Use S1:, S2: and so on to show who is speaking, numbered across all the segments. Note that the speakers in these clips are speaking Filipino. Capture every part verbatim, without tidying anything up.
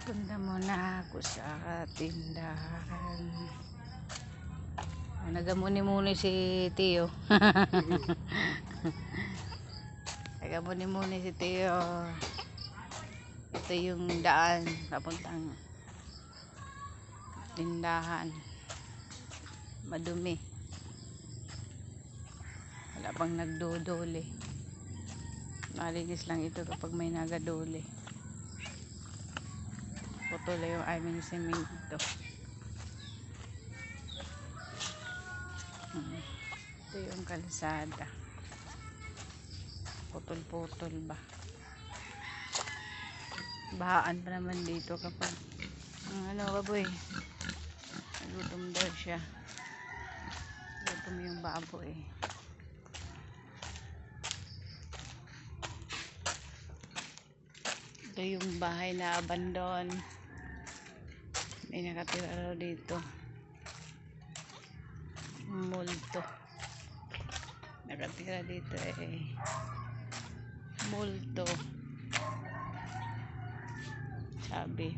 S1: Punta muna ako sa tindahan. Oh, nagamuni-muni si Tio. Nagamuni-muni si Tio. Ito yung daan papuntang tindahan. Madumi. Wala pang nagdodole. Malinis lang ito kapag may nagadole. Putol yung aming semento. Hmm. Ito yung kalsada. Putol-putol ba? Bahaan pa naman dito kapag ang ano ba boy? Gutom daw siya. Gutom yung baboy. Ito yung bahay na abandon. May nakatira raw dito. Multo. Nakatira dito eh. Multo. Sabi.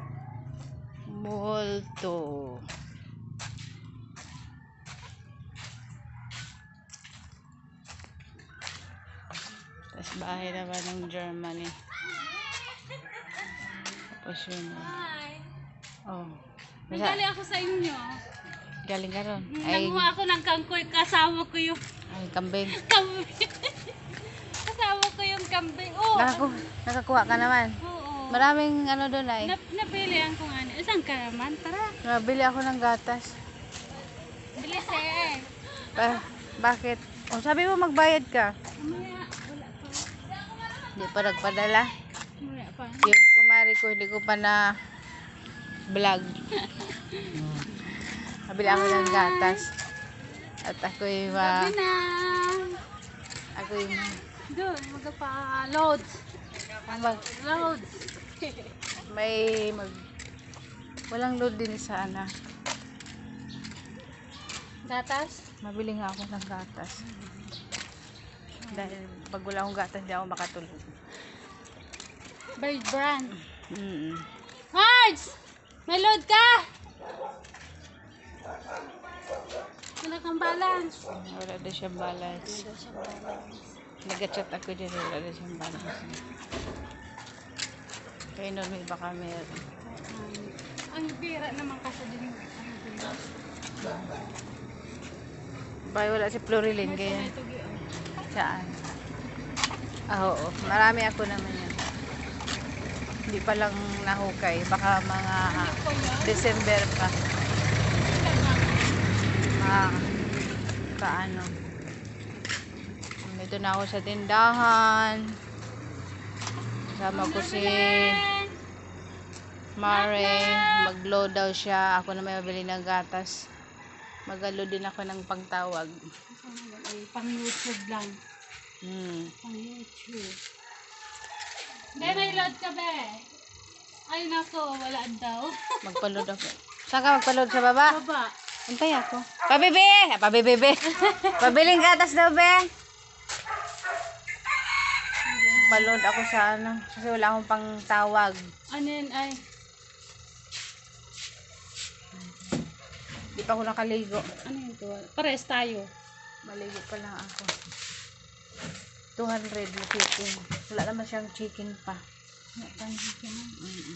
S1: Multo. Tapos bahay naman ng Germany. Tapos yun.
S2: Hi.
S1: Oh.
S2: May galing ako sa inyo.
S1: Galing ka ron. Ay,
S2: Nanguha ako ng kangkoy. Kasama ko yung
S1: ay kambing.
S2: kambing. Kasama ko yung kambing. Oh,
S1: Nakaku nakakuha ka naman.
S2: oo.
S1: Maraming ano doon ay.
S2: Nap napilihan ko nga. Isang ka naman. Tara.
S1: Nabili ako ng gatas.
S2: Bilis eh.
S1: Pa, bakit? Oh, sabi mo magbayad ka.
S2: Mamaya. Wala pa.
S1: Hindi pa nagpadala.
S2: Wala pa.
S1: Yung kumari ko, hindi ko pa na vlog. Nabili ako ng gatas. At ako yung ma...
S2: Sabi na.
S1: Ako yung ma...
S2: Doon. Magpa-loads.
S1: Mag,
S2: Loads.
S1: may mag... Walang load din sana.
S2: Gatas.
S1: Mabili nga ako ng gatas. Dahil pag wala akong gatas, hindi ako makatulog.
S2: Bird brand.
S1: Mm-mm.
S2: Marge! May load ka! Wala kang balance.
S1: Wala na siyang balance. Nag-chat ako dyan, wala na siyang balance. Kaya nun may baka meron.
S2: Um, ang bira naman kasi din. Ang bira.
S1: Bay, wala si Florilyn,
S2: May
S1: kaya
S2: tugi-tugi, oh.
S1: saan? Ah, oo. Marami ako naman yan. Hindi pa lang nahukay. Baka mga December pa. Mga kaano. Dito na ako sa tindahan. Kasama ko si Mare. Mag-load daw siya. Ako na may mabili ng gatas. Mag-load din ako ng pagtawag.
S2: Ay, pang YouTube lang.
S1: Hmm.
S2: Pang YouTube. Be, may load ka, be. Ay, nako, wala daw.
S1: Magpa-load ako. Saan ka magpa-load sa baba?
S2: Baba.
S1: Antay ako. Pabibi! Pabibi! Pabiling gatas daw, be. Pa-load ako sa ano. Kasi wala akong pang tawag.
S2: Ano yun, ay?
S1: Di pa ako nakaligo.
S2: Ano yun to? Pares tayo.
S1: Maligo pa lang ako. two hundred na chicken. Wala naman siyang chicken pa.
S2: Wala tayong chicken.
S1: Mm-mm.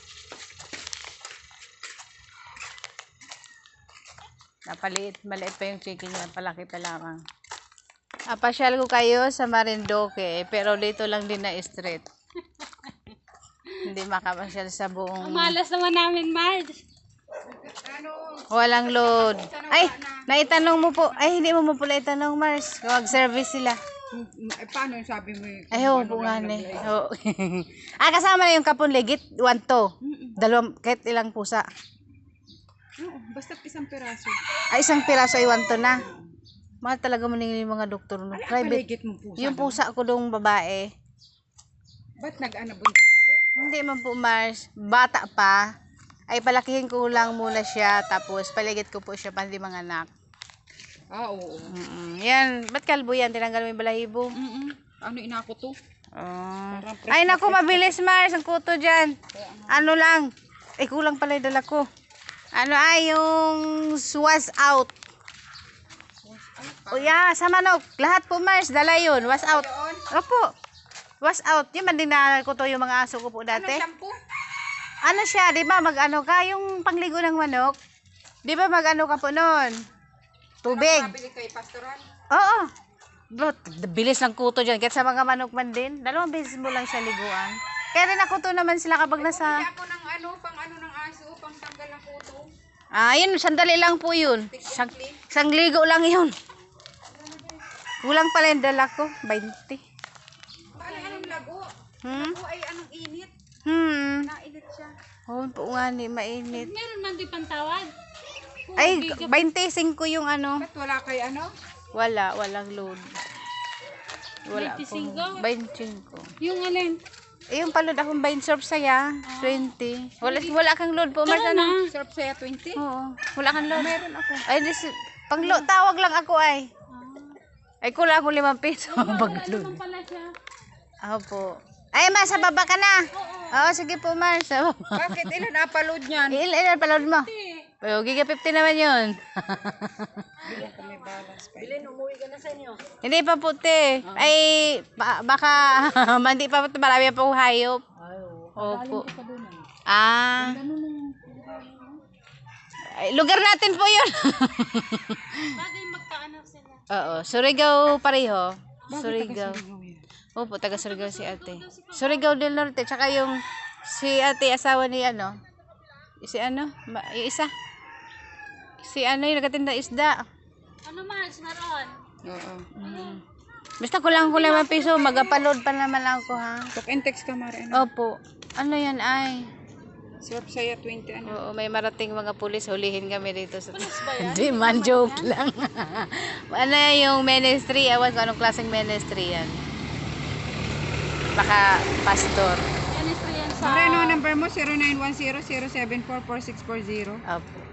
S1: Napaliit. Maliit pa yung chicken niya. Palaki pa lamang. Apasyal ko kayo sa Marinduque. Pero dito lang din na street. Hindi makapasyal sa
S2: Ang
S1: buong...
S2: malas naman namin, Marge.
S1: Walang load. Ay, naitanong mo po. Ay, hindi mo mo pala itanong, Mars. Mag-service sila.
S3: Eh, paano yung sabi mo yung
S1: Ay, oo, bunga na eh. Oo. Ah, kasama na yung kapon legit. One to. Dalawang, kahit ilang pusa.
S3: Oo, basta't isang piraso.
S1: Ay, isang piraso ay one to na. Mahal talaga mo yung mga doktor. No?
S3: Ala,
S1: Private.
S3: paligid mo pusa.
S1: Yung pusa ko dong babae.
S3: Ba't nag-anabuntis ulit?
S1: Hindi man po, Mars. Bata pa. Ay, palakihin ko lang muna siya. Tapos, paligid ko po siya pandi mga anak.
S3: Ah, oo.
S1: Mm-mm. Yan. Ba't kalbo yan? Tinanggal mo yung balahibo?
S3: Mm-mm. Ano inako to?
S1: Oh.
S3: Parang fresh
S1: Ay,
S3: na
S1: naku, mabilis, Mars. Ang kuto dyan. Ano lang. Eh, kulang pala yung dala ko. Ano ay, yung was out. O yeah, sa manok. Lahat po, Mars. Dala yun. Was out.
S3: Doon.
S1: Opo. Was out. Yung mandinala ko to yung mga aso ko po
S3: Ano
S1: dati.
S3: shampoo?
S1: Ano siya, di ba? Mag-ano ka, yung pangligo ng manok. Di ba mag-ano ka po noon? Tubig.
S3: Mabili kay Pastoran.
S1: Oo. But, bilis ng kuto dyan. Kahit sa mga manok man din. Dalawang beses mo lang siya liguan. Kaya rin nakuto naman sila kapag
S3: Bumili
S1: nasa...
S3: ako ng ano, pang ano ng aso, pang tanggal ng kuto.
S1: Ah, yun, sandali lang po yun. Isang, isang ligo lang yun. Kulang pala yung dala ko. twenty.
S3: Paano anong lago?
S1: Hmm?
S3: Lago ay anong init.
S1: Hmm.
S3: Nainit siya.
S1: Oo po nga ni, mainit.
S2: Meron man di pantawad.
S1: Ay, twenty-five yung ano.
S3: Ba't wala kay ano?
S1: Wala, walang load. Wala
S2: twenty-five?
S1: po. twenty-five.
S2: Yung alin?
S1: Eh, yung palod akong bind surf saya. twenty. Wala, wala kang load po, Mars.
S2: Tara
S1: Ano?
S2: na.
S3: Sarap saya twenty.
S1: Oo. Wala kang load.
S3: Meron ako.
S1: Ay, dis, pang lo, tawag lang ako ay. Ay, kulang ako limang piso.
S2: Wala
S1: Pag-load.
S2: naman pala siya.
S1: Opo. Ay, Mars, sa baba ka na. Oo, sige po, Mars. Sa baba.
S3: Bakit ilan upload niyan?
S1: Ilan, ilan palod mo? Pero, giga fifty naman yun.
S3: Bilhin ko may balance pa.
S1: Hindi pa puti. Ay, ba- baka, hindi pa puti. Marami pa po hayop. Opo. Ah. Ay, lugar natin po yun.
S2: Bagay magkaanak sila.
S1: Oo, Surigao pareho.
S3: Bakit
S1: Surigao.
S3: taga-Surigao yan?
S1: Opo, taga Surigao si ate. Surigao del Norte, tsaka yung si ate asawa ni ano? Si ano? Ma- yung isa. Si ano yung nagatinda isda.
S2: Ano Mars, meron?
S3: Oo.
S1: Basta kulang ko limang piso, magapaload pa naman ako ha.
S3: Talk and text ka, Mara. Ano?
S1: Opo. Ano yan ay?
S3: Sarap saya twenty ano.
S1: Oo, may marating mga pulis, hulihin kami dito sa... Hindi man, joke lang. Ano yung ministry, ewan ko anong klaseng ministry yan. Baka pastor.
S2: Ministry yan sa...
S3: Mara, ano ang number mo? zero nine one zero zero seven four four six four zero.
S1: Opo.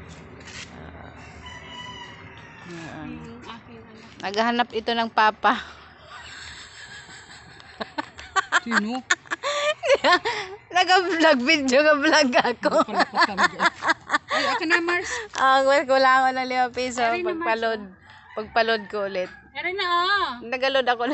S2: Yung aking anak.
S1: Naghahanap ito ng papa.
S3: Sino?
S1: Nag-vlog video ka vlog ako.
S3: Ay, ako na, Mars.
S1: Ang well, kulangan ng limang piso. Pagpaload. Pagpaload ko ulit.
S2: Meron na oh.
S1: Nagaload ako na.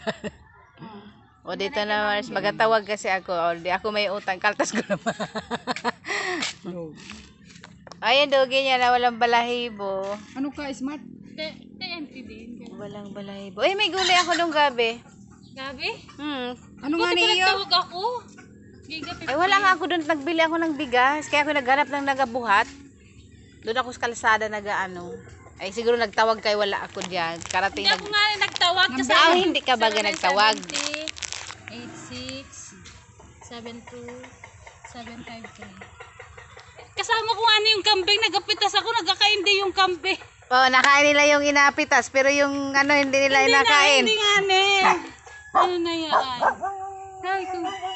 S1: O dito na Mars, magatawag kasi ako. O di ako may utang, kaltas ko naman.
S3: No.
S1: Ayun, dogi niya na walang balahibo.
S3: Ano ka, smart?
S2: T N T din.
S1: Walang balahibo. Eh, may gulay ako nung gabi.
S2: Gabi?
S1: Hmm.
S3: Ano nga
S2: Buti ko
S3: niyo?
S2: nagtawag ako. Giga
S1: Ay, wala nga ako doon. Nagbili ako ng bigas. Kaya ako naghanap ng nagabuhat. Doon ako sa kalsada nag-ano. Ay, siguro nagtawag kay wala ako diyan. Karating
S2: Hindi
S1: nag...
S2: ako nga rin nagtawag kasi
S1: Ah, hindi ka ba nagtawag?
S2: eight six seven two seven five three. Kasama ko ano yung kambing, nagapitas ako, nagkakaindi yung kambing.
S1: Oh, nakain nila yung inapitas, pero yung ano hindi nila
S2: Hindi na,
S1: inakain.
S2: hindi nga ne. Ano na yan? Ay, kung